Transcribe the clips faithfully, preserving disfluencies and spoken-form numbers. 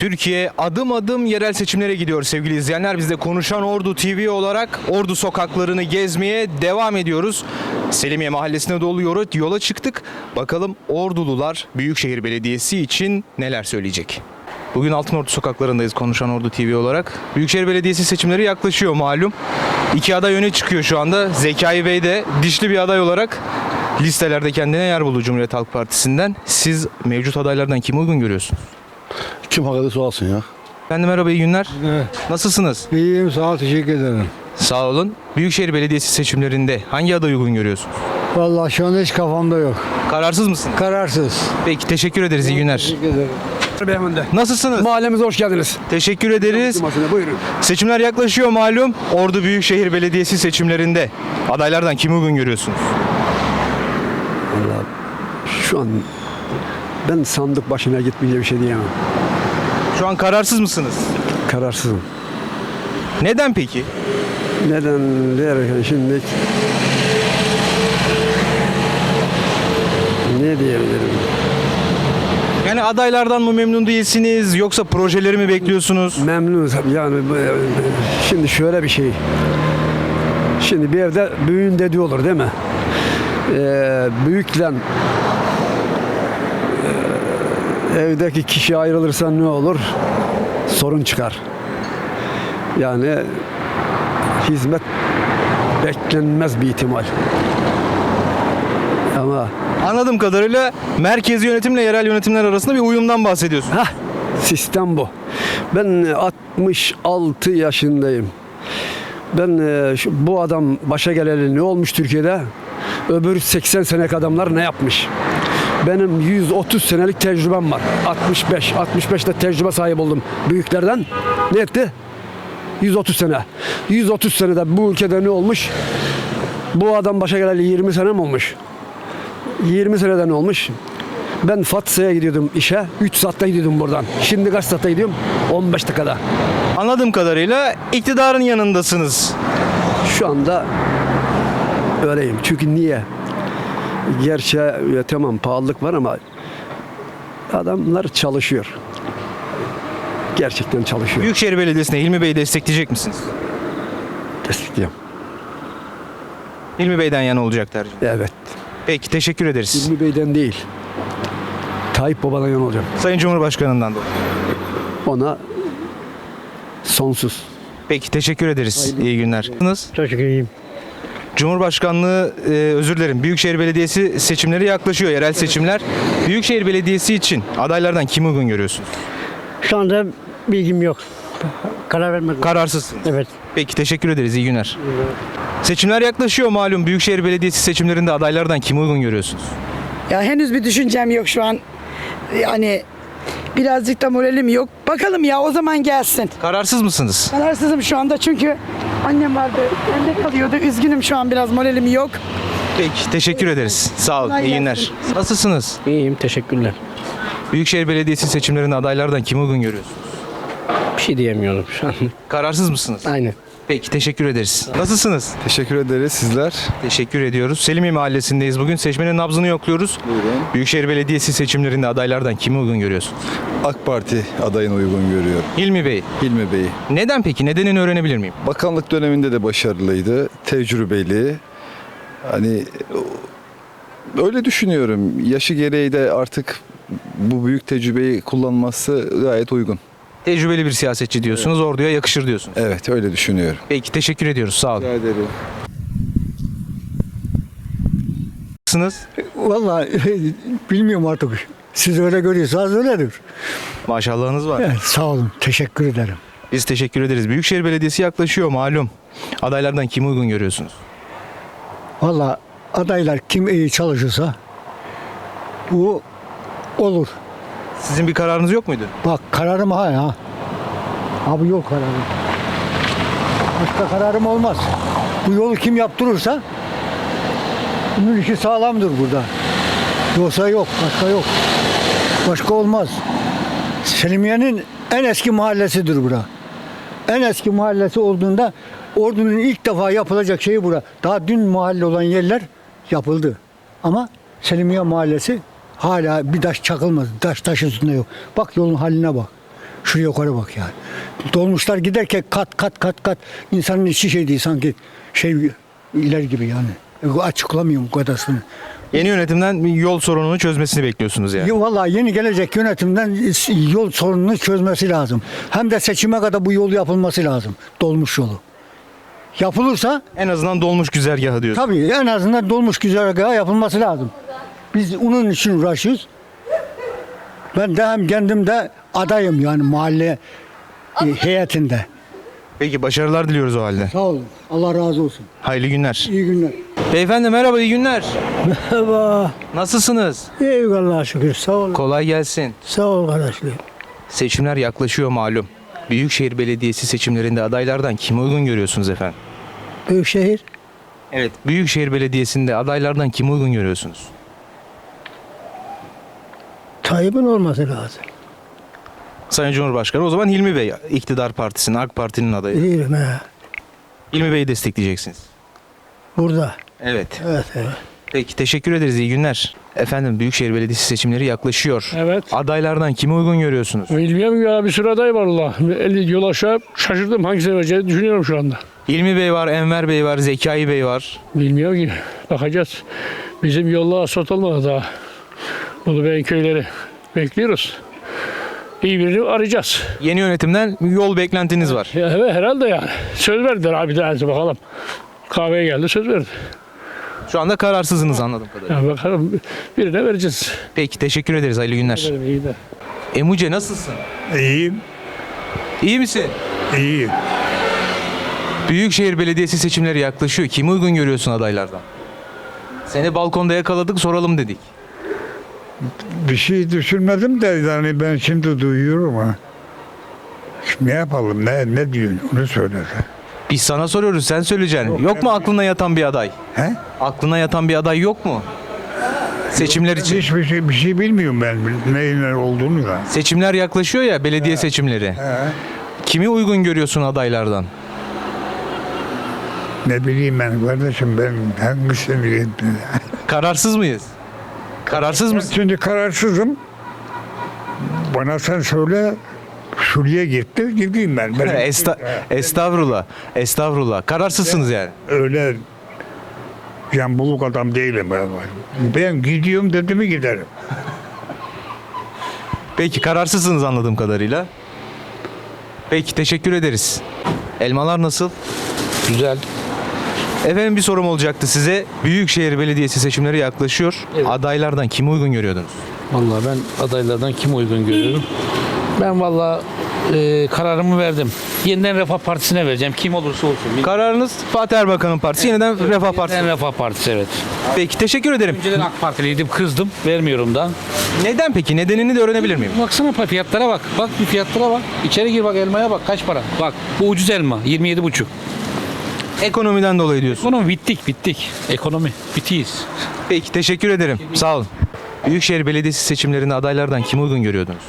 Türkiye adım adım yerel seçimlere gidiyor sevgili izleyenler. Biz de Konuşan Ordu T V olarak Ordu sokaklarını gezmeye devam ediyoruz. Selimiye Mahallesi'ne doğru yola, yola çıktık. Bakalım Ordulular Büyükşehir Belediyesi için neler söyleyecek? Bugün Altınordu sokaklarındayız Konuşan Ordu T V olarak. Büyükşehir Belediyesi seçimleri yaklaşıyor malum. İki aday öne çıkıyor şu anda. Zekai Bey de dişli bir aday olarak listelerde kendine yer buldu Cumhuriyet Halk Partisi'nden. Siz mevcut adaylardan kimi uygun görüyorsunuz? Kim hak ederse alsın ya. Efendim merhaba, iyi günler. Evet. Nasılsınız? İyiyim, sağ ol, teşekkür ederim. Sağ olun. Büyükşehir Belediyesi seçimlerinde hangi adayı uygun görüyorsunuz? Vallahi şu anda hiç kafamda yok. Kararsız mısınız? Kararsız. Peki, teşekkür ederiz. İyi günler. Teşekkür ederim. Beyefendi. Nasılsınız? Mahallemize hoş geldiniz. Teşekkür ederiz. Buyurun. Seçimler yaklaşıyor malum. Ordu Büyükşehir Belediyesi seçimlerinde adaylardan kimi uygun görüyorsunuz? Vallahi şu an ben sandık başına gitmeyince bir şey diyemem. Şu an kararsız mısınız? Kararsızım. Neden peki? Neden derken şimdi ne diyebilirim? Yani adaylardan mı memnun değilsiniz yoksa projeleri mi bekliyorsunuz? Memnunuz yani bu- şimdi şöyle bir şey. Şimdi bir evde büyüğün dediği olur değil mi? Ee, büyükle e, evdeki kişi ayrılırsa ne olur? Sorun çıkar. Yani hizmet beklenmez bir ihtimal. Ama Anladığım kadarıyla merkezi yönetimle yerel yönetimler arasında bir uyumdan bahsediyorsunuz. hah, sistem bu. Ben altmış altı yaşındayım. Ben e, şu, bu adam başa geleli ne olmuş Türkiye'de? Öbür seksen senelik adamlar ne yapmış? Benim yüz otuz senelik tecrübem var. altmış beş, altmış beşte tecrübe sahibi oldum büyüklerden. Ne etti? yüz otuz sene. yüz otuz senede bu ülkede ne olmuş? Bu adam başa geleli yirmi sene mi olmuş? yirmi seneden olmuş. Ben Fatsa'ya gidiyordum işe. üç saatte gidiyordum buradan. Şimdi kaç saatte gidiyorum? on beş dakikada. Anladığım kadarıyla iktidarın yanındasınız. Şu anda öyleyim. Çünkü niye? Gerçi ya, tamam pahalılık var ama adamlar çalışıyor. Gerçekten çalışıyor. Büyükşehir Belediyesi'ne Hilmi Bey'i destekleyecek misiniz? Destekliyorum. Hilmi Bey'den yana olacak tercih. Evet. Peki, teşekkür ederiz. İlmi Bey'den değil. Tayyip Baba'dan yana olacağım. Sayın Cumhurbaşkanı'ndan da. Ona sonsuz. Peki, teşekkür ederiz. İyi günler. Nasılsınız? Çok iyiyim. Cumhurbaşkanlığı, e, özür dilerim, Büyükşehir Belediyesi seçimleri yaklaşıyor, yerel seçimler. Büyükşehir Belediyesi için adaylardan kimi uygun görüyorsunuz? Şu anda bilgim yok. Karar vermedim. Kararsızsınız. Evet. Peki, teşekkür ederiz. İyi günler. Seçimler yaklaşıyor malum. Büyükşehir Belediyesi seçimlerinde adaylardan kimi uygun görüyorsunuz? Ya henüz bir düşüncem yok şu an. Yani birazcık da moralim yok. Bakalım ya, o zaman gelsin. Kararsız mısınız? Kararsızım şu anda çünkü annem vardı. Bende kalıyordu. Üzgünüm, şu an biraz moralim yok. Peki, teşekkür ederiz. Sağ olun. Kolay İyi günler. gelsin. Nasılsınız? İyiyim, teşekkürler. Büyükşehir Belediyesi seçimlerinde adaylardan kimi uygun görüyorsunuz? Bir şey diyemiyorum şu an. Kararsız mısınız? Aynen. Peki, teşekkür ederiz. Nasılsınız? Teşekkür ederiz sizler. Teşekkür ediyoruz. Selimiye Mahallesi'ndeyiz bugün. Seçmenin nabzını yokluyoruz. Buyurun. Büyükşehir Belediyesi seçimlerinde adaylardan kimi uygun görüyorsunuz? AK Parti adayını uygun görüyor. Hilmi Bey. Hilmi Bey. Neden peki? Nedenini öğrenebilir miyim? Bakanlık döneminde de başarılıydı. Tecrübeli. Hani öyle düşünüyorum. Yaşı gereği de artık bu büyük tecrübeyi kullanması gayet uygun. Tecrübeli bir siyasetçi diyorsunuz. Orduya yakışır diyorsunuz. Evet, öyle düşünüyorum. Peki, teşekkür ediyoruz. Sağ olun. Rica ederim. Nasılsınız? Vallahi bilmiyorum artık. Siz öyle görüyorsanız öyledir. Maşallahınız var. Evet, sağ olun. Teşekkür ederim. Biz teşekkür ederiz. Büyükşehir Belediyesi yaklaşıyor malum. Adaylardan kimi uygun görüyorsunuz? Vallahi adaylar kim iyi çalışırsa bu olur. Sizin bir kararınız yok muydu? Bak kararım ha ya. Abi yok kararım. Başka kararım olmaz. Bu yolu kim yaptırırsa bunun işi sağlamdır burada. Yoksa yok, başka yok. Başka olmaz. Selimiye'nin en eski mahallesidir bura. En eski mahallesi olduğunda Ordu'nun ilk defa yapılacak şeyi bura. Daha dün mahalle olan yerler yapıldı. Ama Selimiye Mahallesi hala bir taş çakılmadı. Taş taş üstünde yok. Bak yolun haline bak. Şuraya yukarı bak yani. Dolmuşlar giderken kat kat kat kat insanın içi şey değil sanki şey iler gibi yani. E, Açıklamıyorum bu kadarını. Yeni yönetimden bir yol sorununu çözmesini bekliyorsunuz yani. Ya vallahi yeni gelecek yönetimden yol sorununu çözmesi lazım. Hem de seçime kadar bu yol yapılması lazım. Dolmuş yolu. Yapılırsa En azından dolmuş güzergahı diyorsun. tabii en azından dolmuş güzergahı yapılması lazım. Biz onun için uğraşıyoruz. Ben de hem kendim de adayım yani mahalle e, heyetinde. Peki başarılar diliyoruz o halde. Sağ olun. Allah razı olsun. Hayırlı günler. İyi günler. Beyefendi merhaba, iyi günler. Merhaba. Nasılsınız? Eyvallah şükür. Sağ ol. Kolay gelsin. Sağ ol kardeşlerim. Seçimler yaklaşıyor malum. Büyükşehir Belediyesi seçimlerinde adaylardan kimi uygun görüyorsunuz efendim? Büyükşehir. Evet, Büyükşehir Belediyesi'nde adaylardan kimi uygun görüyorsunuz? Tayyip'in olması lazım. Sayın Cumhurbaşkanı o zaman Hilmi Bey, iktidar partisinin, AK Parti'nin adayı. Bilirim he. Hilmi Bey'i destekleyeceksiniz. Burada. Evet. Evet evet. Peki teşekkür ederiz, iyi günler. Efendim Büyükşehir Belediyesi seçimleri yaklaşıyor. Evet. Adaylardan kimi uygun görüyorsunuz? Bilmiyorum ya, bir sürü aday var Allah. elli yol aşağı şaşırdım, hangisini vereceğini düşünüyorum şu anda. Hilmi Bey var, Enver Bey var, Zekai Bey var. Bilmiyorum ki, bakacağız. Bizim yolla asfalt olmadı daha. Ulubey'in köyleri bekliyoruz. İyi birini arayacağız. Yeni yönetimden yol beklentiniz var. Ya, evet herhalde yani. Söz verdiler abi, tanesi bakalım. Kahveye geldi, söz verdi. Şu anda kararsızsınız anladığım kadarıyla. Ya bakalım, birine vereceğiz. Peki teşekkür ederiz, hayırlı günler. Benim iyi de. Emuce nasılsın? İyiyim, İyi misin? iyiyim. Büyükşehir Belediyesi seçimleri yaklaşıyor. Kimi uygun görüyorsun adaylardan? Seni balkonda yakaladık, soralım dedik. Bir şey düşünmedim de yani ben şimdi duyuyorum ha. Şimdi ne yapalım, ne ne diyorsun onu söyle. Biz sana soruyoruz, sen söyleyeceksin. Yok mu aklına yatan bir aday? He? Aklına yatan bir aday yok mu? Seçimler için. Hiçbir şey, bir şey bilmiyorum ben neyin ne olduğunu da. Seçimler yaklaşıyor ya, belediye seçimleri. He. Kimi uygun görüyorsun adaylardan? Ne bileyim ben kardeşim, ben hangisini Kararsız mıyız? Kararsız mısın? Şimdi kararsızım. Bana sen söyle, şuraya gitti, gideyim ben. ben Esta estağfurullah. Estağfurullah. Kararsızsınız yani. Öyle yambuluk adam değilim ben. Ben gidiyorum dedi mi giderim. Peki kararsızsınız anladığım kadarıyla. Peki teşekkür ederiz. Elmalar nasıl? Güzel. Efendim bir sorum olacaktı size. Büyükşehir Belediyesi seçimleri yaklaşıyor. Adaylardan kimi uygun görüyordunuz? Vallahi ben adaylardan kim uygun görüyorum? Ben vallahi e, kararımı verdim. Yeniden Refah Partisi'ne vereceğim. Kim olursa olsun. Kararınız Fatih Erbakan'ın partisi, yeniden Refah Partisi. Yeniden Refah Partisi, evet. Peki teşekkür ederim. Önceden AK Partiliydim, kızdım. Vermiyorum da. Neden peki? Nedenini de öğrenebilir miyim? Baksana fiyatlara bak. Bak bir fiyatlara bak. İçeri gir bak, elmaya bak. Kaç para? Bak bu ucuz elma. yirmi yedi buçuk. Ekonomiden dolayı diyorsun. Ekonomi bittik bittik. Ekonomi bitiyiz. Peki teşekkür ederim. Sağ olun. Büyükşehir Belediyesi seçimlerinde adaylardan kimi uygun görüyordunuz?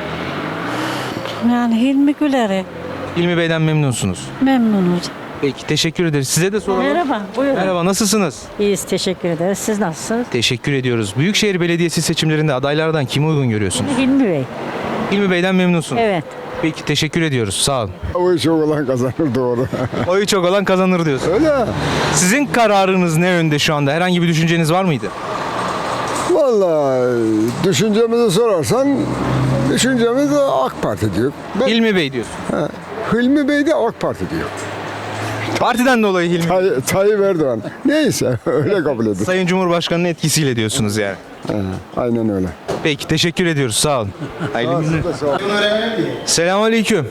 Yani Hilmi Güler'e Hilmi Bey'den memnunsunuz. memnunuz. Peki teşekkür ederiz. Size de soralım. Merhaba, buyurun. Merhaba, nasılsınız? İyiyiz, teşekkür ederiz. Siz nasılsınız? Teşekkür ediyoruz. Büyükşehir Belediyesi seçimlerinde adaylardan kimi uygun görüyorsunuz? Hilmi Bey. Hilmi Bey'den memnunsunuz. Evet. Peki teşekkür ediyoruz. Sağ olun. O iş olan kazanır doğru. Oyu çok olan kazanır diyorsun. Öyle. Sizin kararınız ne yönde şu anda? Herhangi bir düşünceniz var mıydı? Vallahi düşüncemizi sorarsan düşüncemiz AK Parti diyor. Ben, Hilmi Bey diyorsun. Hilmi Bey de AK Parti diyor. Partiden dolayı Hilmi. Tay, Tayyip Erdoğan. Neyse öyle kabul edin. Sayın Cumhurbaşkanı'nın etkisiyle diyorsunuz yani. Aynen öyle. Peki teşekkür ediyoruz. Sağ olun. Hayırlı günler. Selamünaleyküm.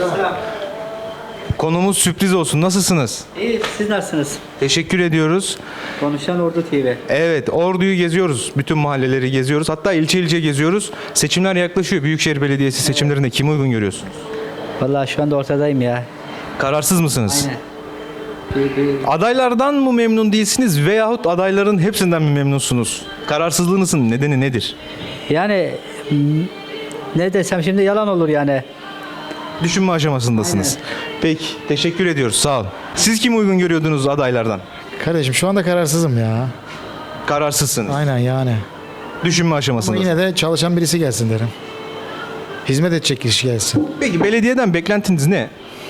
Konumuz sürpriz olsun. Nasılsınız? İyi, siz nasılsınız? Teşekkür ediyoruz. Konuşan Ordu T V. Evet, Ordu'yu geziyoruz. Bütün mahalleleri geziyoruz. Hatta ilçe ilçe geziyoruz. Seçimler yaklaşıyor. Büyükşehir Belediyesi seçimlerinde kimi uygun görüyorsunuz? Vallahi şu anda ortadayım ya. Kararsız mısınız? Aynen. Bir, bir, Adaylardan mı memnun değilsiniz veyahut adayların hepsinden mi memnunsunuz? Kararsızlığınızın nedeni nedir? yani m, ne desem şimdi yalan olur yani. Düşünme aşamasındasınız. Peki, teşekkür ediyoruz. Sağ olun. Siz kimi uygun görüyordunuz adaylardan? Kardeşim şu anda kararsızım ya. Kararsızsınız. Aynen yani. Düşünme Ama aşamasındasınız. yine de çalışan birisi gelsin derim. Hizmet edecek kişi gelsin. Peki belediyeden beklentiniz ne?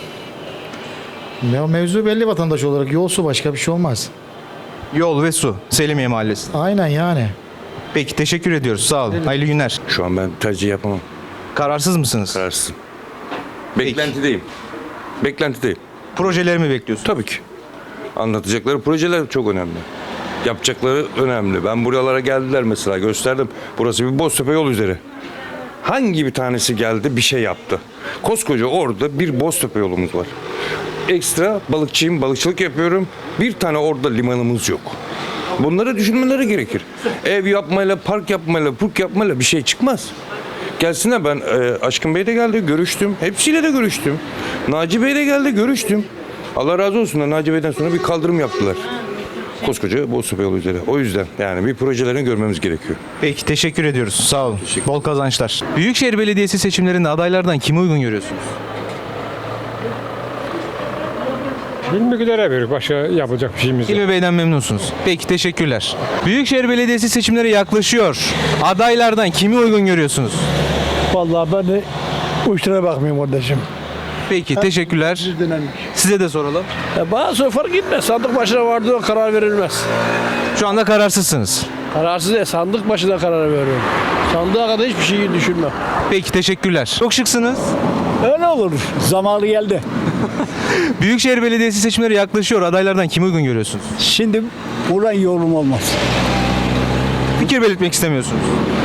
Ya mevzu belli vatandaş olarak. Yol su başka bir şey olmaz. Yol ve su. Selimiye Mahallesi. Aynen yani. Peki teşekkür ediyoruz. Sağ olun. Hayırlı günler. Şu an ben tercih yapamam. Kararsız mısınız? Kararsızım. Beklentideyim. Beklentideyim. Projeleri mi bekliyorsunuz? Tabii ki. Anlatacakları projeler çok önemli. Yapacakları önemli. Ben buralara geldiler mesela gösterdim. Burası bir Boztepe yol üzeri. Hangi bir tanesi geldi bir şey yaptı? Koskoca orada bir Boztepe yolumuz var. Ekstra balıkçıyım, balıkçılık yapıyorum. Bir tane orada limanımız yok. Bunları düşünmeleri gerekir. Ev yapmayla, park yapmayla, purk yapmayla bir şey çıkmaz. Gelsinler ben e, Aşkın Bey de geldi, görüştüm. Hepsiyle de görüştüm. Naci Bey de geldi, görüştüm. Allah razı olsun da Naci Bey'den sonra bir kaldırım yaptılar. Koskoca Boztepe yolu üzeri. O yüzden yani bir projelerini görmemiz gerekiyor. Peki teşekkür ediyoruz. Sağ olun. Bol kazançlar. Büyükşehir Belediyesi seçimlerinde adaylardan kimi uygun görüyorsunuz? Bilmekülere bir başka yapacak bir şeyimiz yok. İlmi Bey'den memnunsunuz. Peki teşekkürler. Büyükşehir Belediyesi seçimleri yaklaşıyor. Adaylardan kimi uygun görüyorsunuz? Vallahi ben de uçlara bakmıyorum kardeşim. Peki teşekkürler. Size de soralım. Bana sonra fark etmez. Sandık başına vardığı karar verilmez. Şu anda kararsızsınız. Kararsız değil. Sandık başına karar veriyorum. Sandığa kadar hiçbir şeyi düşünmem. Peki teşekkürler. Çok şıksınız. Öyle olur. Zamanı geldi. Büyükşehir Belediyesi seçimleri yaklaşıyor. Adaylardan kimi uygun görüyorsunuz? Şimdi buradan yorum olmaz. Fikir belirtmek istemiyorsunuz.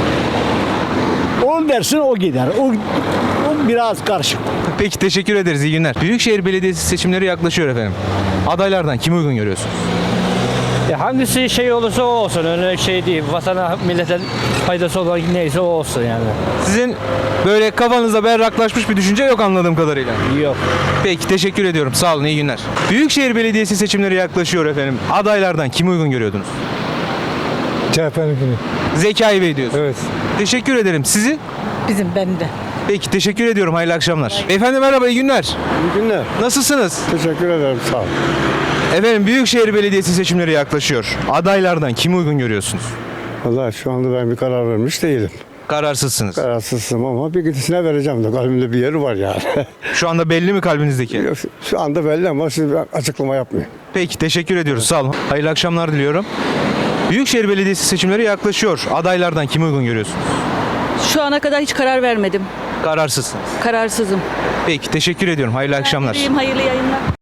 Onu dersin o gider. O, o biraz karışık. Peki teşekkür ederiz. İyi günler. Büyükşehir Belediyesi seçimleri yaklaşıyor efendim. Adaylardan kimi uygun görüyorsunuz? Ya hangisi şey olursa o olsun. Öyle şey değil. Vatana, millete faydası olan neyse o olsun yani. Sizin böyle kafanızda berraklaşmış bir düşünce yok anladığım kadarıyla. Yok. Peki teşekkür ediyorum. Sağ olun. İyi günler. Büyükşehir Belediyesi seçimleri yaklaşıyor efendim. Adaylardan kimi uygun görüyordunuz? C H P'nin Zekai Bey diyorsunuz. Evet. Teşekkür ederim. Sizi? Bizim bende. Peki teşekkür ediyorum. Hayırlı akşamlar. Efendim merhaba. İyi günler. İyi günler. Nasılsınız? Teşekkür ederim. Sağ olun. Efendim Büyükşehir Belediyesi seçimleri yaklaşıyor. Adaylardan kimi uygun görüyorsunuz? Vallahi şu anda ben bir karar vermiş değilim. Kararsızsınız. Kararsızım ama bir gidisine vereceğim de kalbimde bir yeri var yani. Şu anda belli mi kalbinizdeki? Şu anda belli ama siz açıklama yapmayın. Peki teşekkür ediyoruz. Sağ olun. Hayırlı akşamlar diliyorum. Büyükşehir Belediyesi seçimleri yaklaşıyor. Adaylardan kimi uygun görüyorsunuz? Şu ana kadar hiç karar vermedim. Kararsızsınız. Kararsızım. Peki teşekkür ediyorum. Hayırlı akşamlar. Hayırlı yayınlar.